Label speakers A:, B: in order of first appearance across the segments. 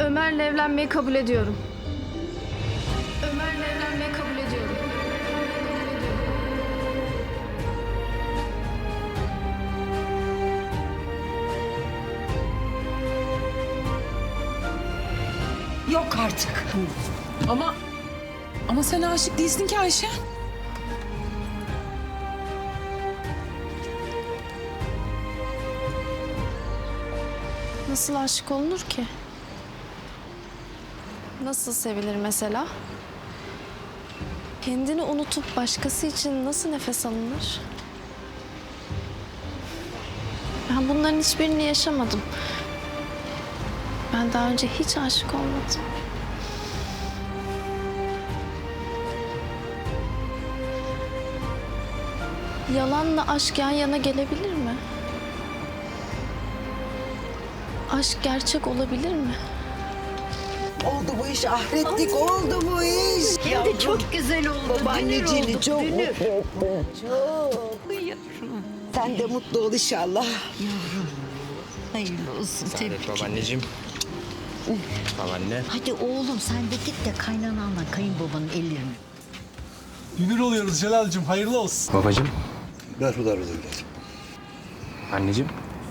A: Ömer'le evlenmeyi kabul ediyorum. Ömer'le evlenmeyi kabul ediyorum.
B: Yok artık.
C: Ama sen aşık değilsin ki Ayşe.
A: Nasıl aşık olunur ki? Nasıl sevilir mesela? Kendini unutup başkası için nasıl nefes alınır? Ben bunların hiçbirini yaşamadım. Ben daha önce hiç aşık olmadım. Yalanla aşk yan yana gelebilir mi? Aşk gerçek olabilir mi?
B: Oldu bu iş ahretlik, oldu bu iş.
D: Hem de çok güzel oldu.
B: Babaanneciğini çok
D: Dünür.
B: mutlu ettin. Çok. Sen de mutlu ol inşallah.
D: Hayırlı olsun. Tebrik.
E: Babaanneciğim. Babaanne.
D: Hadi oğlum sen de git de kaynananla kayınbabanın ellerini.
F: Dünür oluyoruz Celal'cığım, hayırlı olsun.
E: Babacığım.
G: Merhabalar evladım.
E: Anneciğim.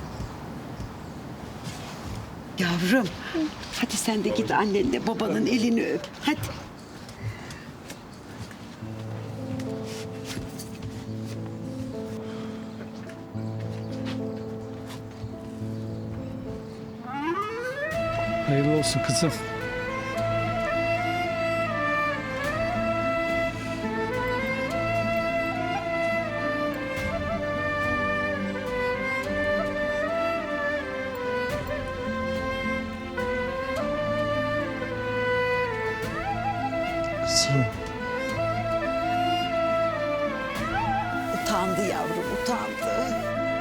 B: Yavrum, hadi sen de git annenle babanın elini öp. Hadi.
F: Hayırlı olsun kızım.
E: Kızım.
B: Utandı yavrum, utandı.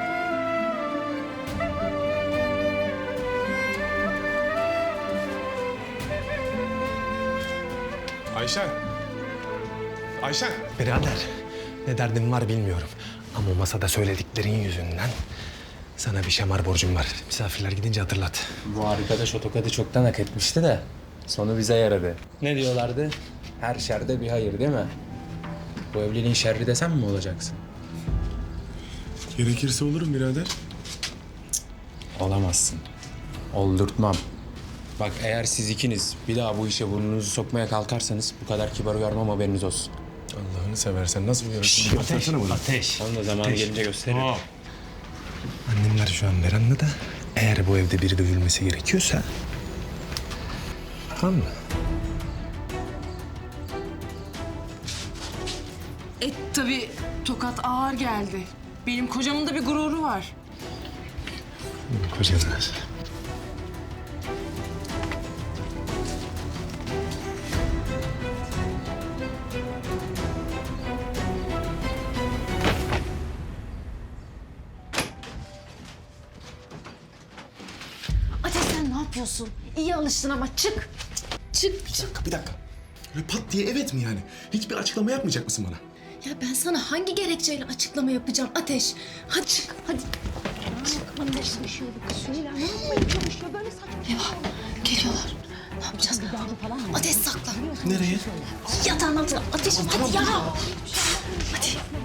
H: Ayşen. Ayşen.
E: Birader. Ne derdim var bilmiyorum. Ama masada söylediklerin yüzünden sana bir şamar borcum var. Misafirler gidince hatırlat.
I: Bu arkadaş o tokadı çoktan hak etmişti de sonu bize yaradı. Ne diyorlardı? Her şerde bir hayır değil mi? Bu evliliğin şerri de sen mi olacaksın?
H: Gerekirse olurum birader.
I: Olamazsın. Oldurtmam. Bak eğer siz ikiniz bir daha bu işe burnunuzu sokmaya kalkarsanız bu kadar kibar uyarmam haberiniz olsun.
H: Allah'ını seversen nasıl uyarırsın? Göstersene bunu.
I: Ateş. Onu da zamanı gelince gösteririm.
E: Annemler şu an verandada. Eğer bu evde biri dövülmesi gerekiyorsa... Tamam mı?
C: Tabii tokat ağır geldi. Benim kocamın da bir gururu var.
E: Kocanız.
A: Ateş sen ne yapıyorsun? İyi alıştın ama çık. Çık.
H: Bir dakika. Böyle pat diye evet mi yani? Hiçbir açıklama yapmayacak mısın bana?
A: Ya ben sana hangi gerekçeyle açıklama yapacağım Ateş? Hadi çık hadi. Eyvah geliyorlar. Ne yapacağız? Ateş saklan.
H: Nereye?
A: Yatağın altına. Ateş hadi ya. Hadi.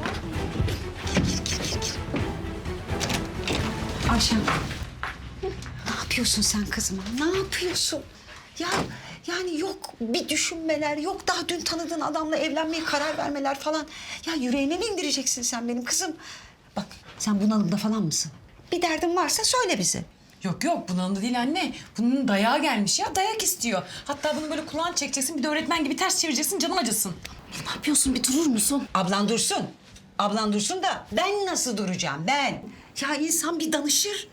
B: Ayşen, ne yapıyorsun sen kızıma? Ne yapıyorsun? Ya yani yok bir düşünmeler, yok daha dün tanıdığın adamla evlenmeye karar vermeler falan. Ya yüreğine mi indireceksin sen benim kızım? Bak sen bunalımda falan mısın? Bir derdin varsa söyle bize.
C: Yok bunun da değil anne. Bunun dayağı gelmiş ya. Dayak istiyor. Hatta bunu böyle kulağını çekeceksin. Bir de öğretmen gibi ters çevireceksin. Canın acısın.
A: Ne yapıyorsun bir durur musun?
B: Ablan dursun. Ablan dursun da ben nasıl duracağım ben? Ya insan bir danışır.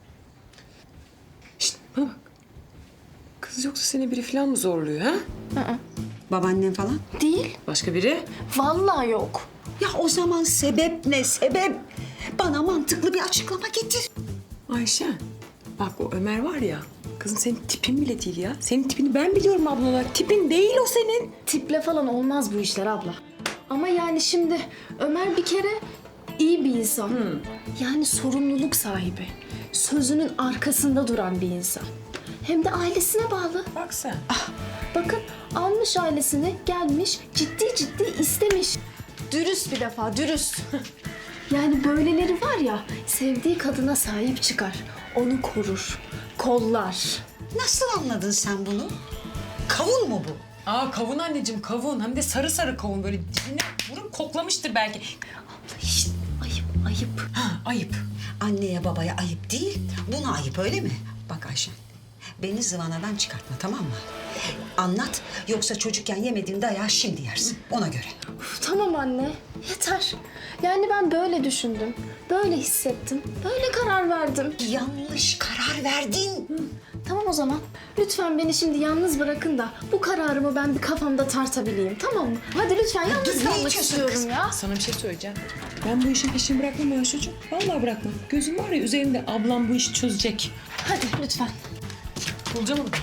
C: Bana bak. Kız yoksa seni biri falan mı zorluyor ha?
B: Babaannen falan.
A: Değil.
C: Başka biri?
A: Vallahi yok.
B: Ya o zaman sebep ne sebep? Bana mantıklı bir açıklama getir.
C: Ayşe. Bak o Ömer var ya. Kızım senin tipin bile değil ya. Senin tipini ben biliyorum abla olarak. Tipin değil o senin.
A: Tiple falan olmaz bu işler abla. Ama yani şimdi Ömer bir kere iyi bir insan. Yani sorumluluk sahibi. Sözünün arkasında duran bir insan. Hem de ailesine bağlı.
C: Bak sen.
A: Bakın almış ailesini, gelmiş, ciddi istemiş. Dürüst bir defa, dürüst. Yani böyleleri var ya, sevdiği kadına sahip çıkar. Onu korur, kollar.
B: Nasıl anladın sen bunu? Kavun mu bu?
C: Aa kavun anneciğim kavun. Hem de sarı sarı kavun böyle dibine vurup koklamıştır belki.
B: Şişt, ayıp.
C: Ha ayıp.
B: Anneye babaya ayıp değil, buna ayıp öyle mi? Bak Ayşen, beni zıvanadan çıkartma tamam mı? Anlat, yoksa çocukken yemediğin dayağı şimdi yersin, ona göre.
A: Tamam anne, yeter. Yani ben böyle düşündüm, böyle hissettim, böyle karar verdim.
B: Yanlış karar verdin.
A: Tamam o zaman. Lütfen beni şimdi yalnız bırakın da bu kararımı ben bir kafamda tartabileyim, tamam mı? Hadi lütfen yalnız
B: dur, ne
A: kalmak
B: içiyorsun
A: istiyorum
B: kız?
A: ya.
C: Sana bir şey söyleyeceğim. Ben bu işin peşini bırakmam Ayşe'cim. Vallahi bırakmam. Gözüm var ya üzerinde ablam bu işi çözecek.
A: Hadi lütfen.
C: Bulacağım onu.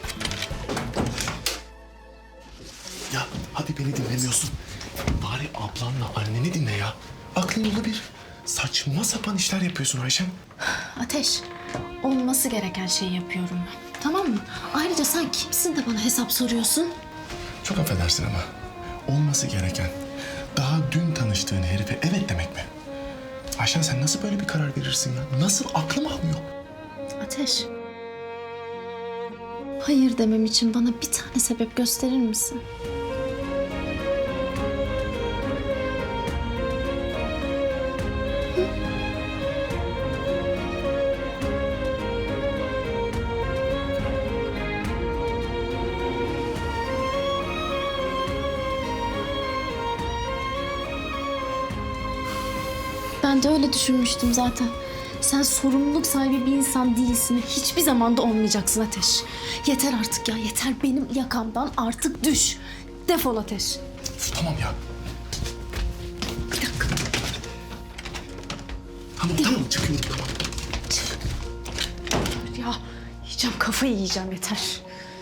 H: Ya hadi beni dinlemiyorsun. Bari ablanla anneni dinle ya. Aklın yolu bir. Saçma sapan işler yapıyorsun Ayşem.
A: Ateş, olması gereken şeyi yapıyorum ben. Tamam mı? Ayrıca sen kimsin de bana hesap soruyorsun?
H: Çok affedersin ama olması gereken daha dün tanıştığın herife evet demek mi? Ayşen sen nasıl böyle bir karar verirsin ya? Nasıl aklım almıyor?
A: Ateş. Hayır demem için bana bir tane sebep gösterir misin? Ben de öyle düşünmüştüm zaten. Sen sorumluluk sahibi bir insan değilsin. Hiçbir zaman da olmayacaksın Ateş. Yeter artık ya, yeter benim yakamdan artık düş. Defol Ateş.
H: Üf, tamam ya.
A: Bir dakika.
H: Tamam çıkıyorum tamam.
A: Ya yiyeceğim, kafayı yiyeceğim yeter.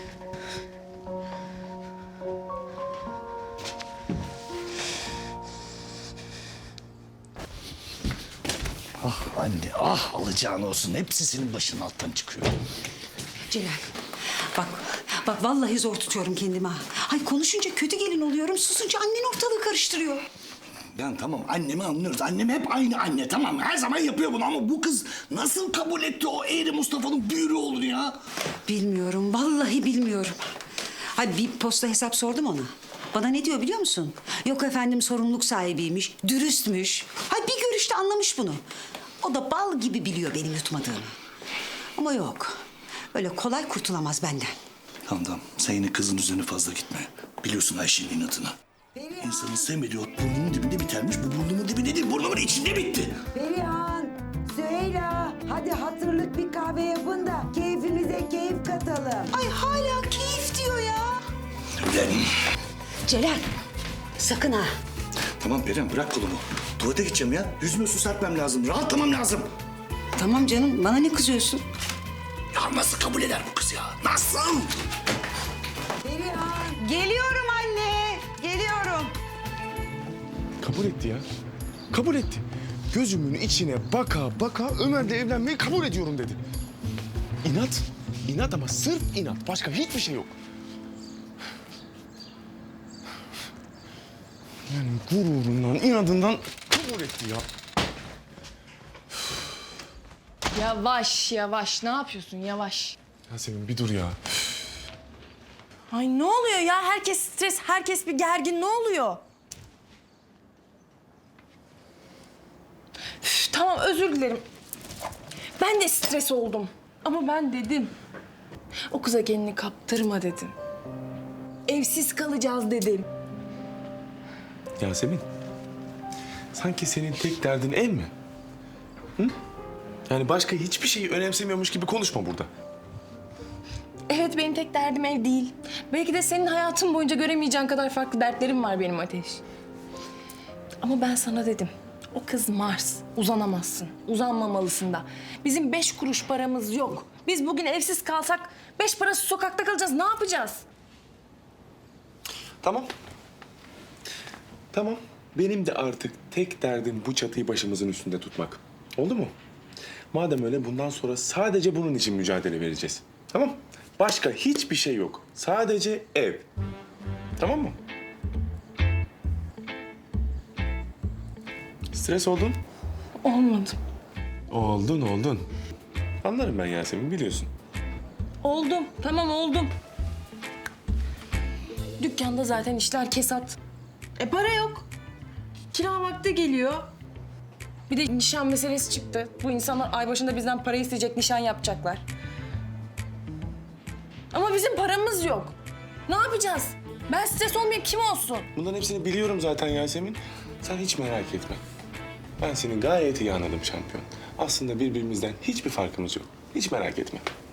G: Ah anne, ah alacağın olsun. Hepsi senin başının alttan çıkıyor.
B: Celal, bak vallahi zor tutuyorum kendimi ha. Ay konuşunca kötü gelin oluyorum, susunca annen ortalığı karıştırıyor.
G: Yani tamam annemi anlıyoruz. Annem hep aynı anne tamam mı? Her zaman yapıyor bunu ama bu kız nasıl kabul etti o eğri Mustafa'nın büyürü olur ya?
B: Bilmiyorum, vallahi bilmiyorum. Hadi bir posta hesap sordum ona. Bana ne diyor biliyor musun? Yok efendim sorumluluk sahibiymiş, dürüstmüş. Hay bir görüşte anlamış bunu. O da bal gibi biliyor benim yutmadığımı. Ama yok, öyle kolay kurtulamaz benden.
G: Tamam sen yine kızın üzerine fazla gitme. Biliyorsun Ayşe'nin inadını. İnsanın sevmediği ot burnunun dibinde bitermiş. Bu burnumun dibinde değil burnumun içinde bitti.
J: Perihan, Süheyla, hadi hatırlık bir kahve yapın da keyfimize keyif katalım.
B: Ay hala keyif diyor ya.
G: Ulan.
B: Celal, sakın ha.
G: Tamam Perihan bırak kolumu. Tuvalete gideceğim ya. Yüzüme su serpmem lazım. Rahatlamam lazım.
B: Tamam canım, bana ne kızıyorsun?
G: Ya nasıl kabul eder bu kız ya? Nasıl?
J: Perihan.
B: Geliyorum anne, geliyorum.
H: Kabul etti ya. Kabul etti. Gözümün içine baka baka Ömer'le evlenmeyi kabul ediyorum dedi. İnat. İnat ama sırf inat. Başka hiçbir şey yok. Yani gururundan, inadından kabul etti ya.
K: Yavaş yavaş ne yapıyorsun yavaş.
H: Yasemin bir dur ya.
K: Ay ne oluyor ya herkes stres herkes bir gergin ne oluyor? Üf, tamam özür dilerim. Ben de stres oldum. Ama ben dedim. O kıza kendini kaptırma dedim. Evsiz kalacağız dedim.
H: Yasemin. Sanki senin tek derdin ev mi? Hı? Yani başka hiçbir şeyi önemsemiyormuş gibi konuşma burada.
K: Evet benim tek derdim ev değil. Belki de senin hayatın boyunca göremeyeceğin kadar farklı dertlerim var benim Ateş. Ama ben sana dedim. O kız Mars. Uzanamazsın. Uzanmamalısın da. Bizim 5 kuruş paramız yok. Biz bugün evsiz kalsak 5 parası sokakta kalacağız. Ne yapacağız?
H: Tamam. Tamam. Benim de artık tek derdim bu çatıyı başımızın üstünde tutmak. Oldu mu? Madem öyle bundan sonra sadece bunun için mücadele vereceğiz. Tamam? Başka hiçbir şey yok. Sadece ev. Tamam mı? Stres oldun?
K: Olmadım.
H: Oldun. Anlarım ben Yasemin, biliyorsun.
K: Oldum. Tamam oldum. Dükkanda zaten işler kesat. Para yok. Kira vakti geliyor. Bir de nişan meselesi çıktı. Bu insanlar ay başında bizden para isteyecek, nişan yapacaklar. Ama bizim paramız yok. Ne yapacağız? Ben stres olmayayım, kim olsun?
H: Bunların hepsini biliyorum zaten Yasemin. Sen hiç merak etme. Ben seni gayet iyi anladım şampiyon. Aslında birbirimizden hiçbir farkımız yok. Hiç merak etme.